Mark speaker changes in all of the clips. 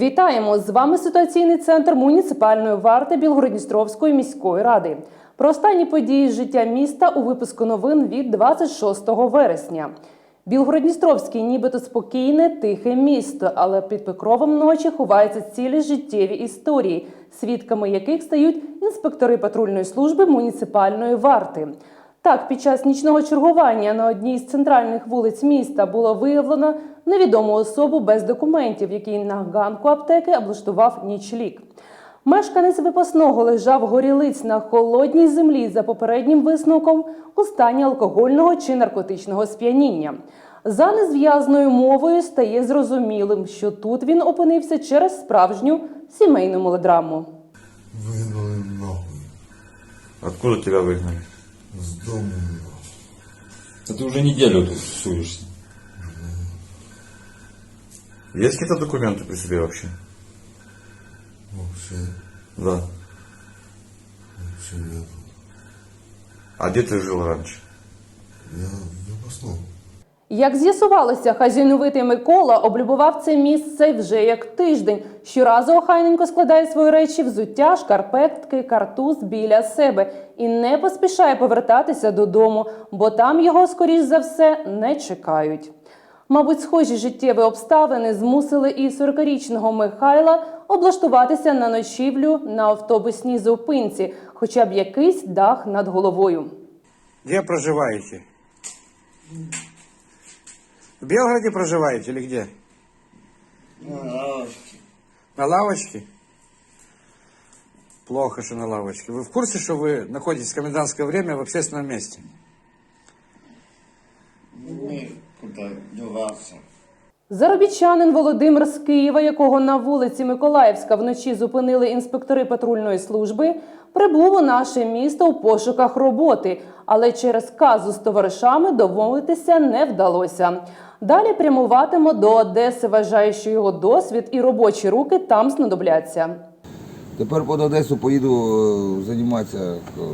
Speaker 1: Вітаємо! З вами ситуаційний центр муніципальної варти Білгород-Дністровської міської ради. Про останні події з життя міста у випуску новин від 26 вересня. Білгород-Дністровський нібито спокійне, тихе місто, але під покровом ночі ховаються цілі життєві історії, свідками яких стають інспектори патрульної служби муніципальної варти. Так, під час нічного чергування на одній з центральних вулиць міста було виявлено невідому особу без документів, який на ганку аптеки облаштував нічліг. Мешканець випасного лежав горілиць на холодній землі за попереднім висновком у стані алкогольного чи наркотичного сп'яніння. За незв'язною мовою стає зрозумілим, що тут він опинився через справжню сімейну мелодраму.
Speaker 2: Выгнали нахуй.
Speaker 3: Откуда тебя выгнали?
Speaker 2: С дома.
Speaker 3: Да ты уже неделю тут суешься. Есть какие-то документы при себе вообще?
Speaker 2: Вообще,
Speaker 3: Да.
Speaker 2: вообще нет.
Speaker 3: А где ты жил раньше?
Speaker 2: Я випускав.
Speaker 1: Як з'ясувалося, хазяйновитий Микола облюбував це місце вже як тиждень. Щоразу охайненько складає свої речі, взуття, шкарпетки, картуз біля себе і не поспішає повертатися додому, бо там його, скоріш за все, не чекають. Мабуть, схожі життєві обставини змусили і 40-річного Михайла облаштуватися на ночівлю на автобусній зупинці, хоча б якийсь дах над головою.
Speaker 4: Где проживаете? В Белгороде проживаете или где?
Speaker 5: На лавочке.
Speaker 4: На лавочке? Плохо, что на лавочке. Вы в курсе, что вы находитесь в комендантское время в общественном месте?
Speaker 5: Некуда деваться.
Speaker 1: Заробітчанин Володимир з Києва, якого на вулиці Миколаївська вночі зупинили інспектори патрульної служби, прибув у наше місто у пошуках роботи, але через казус з товаришами домовитися не вдалося. Далі прямуватимо до Одеси, вважає, що його досвід і робочі руки там знадобляться.
Speaker 6: Тепер під Одесу поїду займатися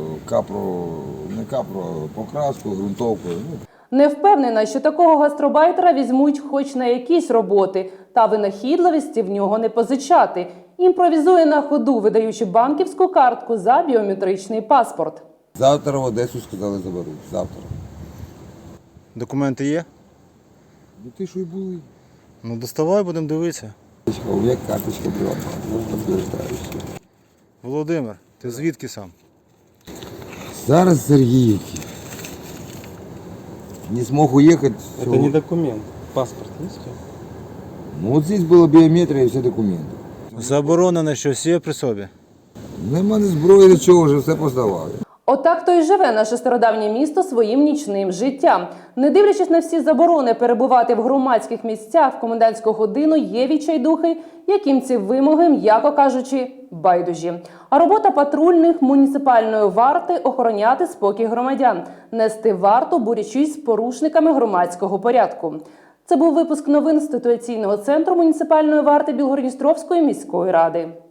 Speaker 6: покраскою, ґрунтовкою.
Speaker 1: Не впевнена, що такого гастробайтера візьмуть хоч на якісь роботи, та винахідливості в нього не позичати. Імпровізує на ходу, видаючи банківську картку за біометричний паспорт.
Speaker 6: Завтра в Одесу, сказали, заберуть. Завтра.
Speaker 7: Документи є?
Speaker 6: Ну ти що й були?
Speaker 7: Ну доставай, будемо дивитися.
Speaker 6: У мене карточка приватна, підтверджуючи.
Speaker 7: Володимир, ти звідки сам?
Speaker 6: Зараз з Сергіївки. Не смог уехать.
Speaker 8: Это не документ. Паспорт есть?
Speaker 6: Ну вот здесь была биометрия и все документы.
Speaker 7: Заборонене щось є при собі?
Speaker 6: Нема ні зброї, нічого, вже все поздавали.
Speaker 1: Отак то й живе наше стародавнє місто своїм нічним життям. Не дивлячись на всі заборони перебувати в громадських місцях в комендантську годину, є відчайдухи, яким ці вимоги, м'яко кажучи, байдужі. А робота патрульних муніципальної варти – охороняти спокій громадян, нести варту, борючись з порушниками громадського порядку. Це був випуск новин з ситуаційного центру муніципальної варти Білгород-Дністровської міської ради.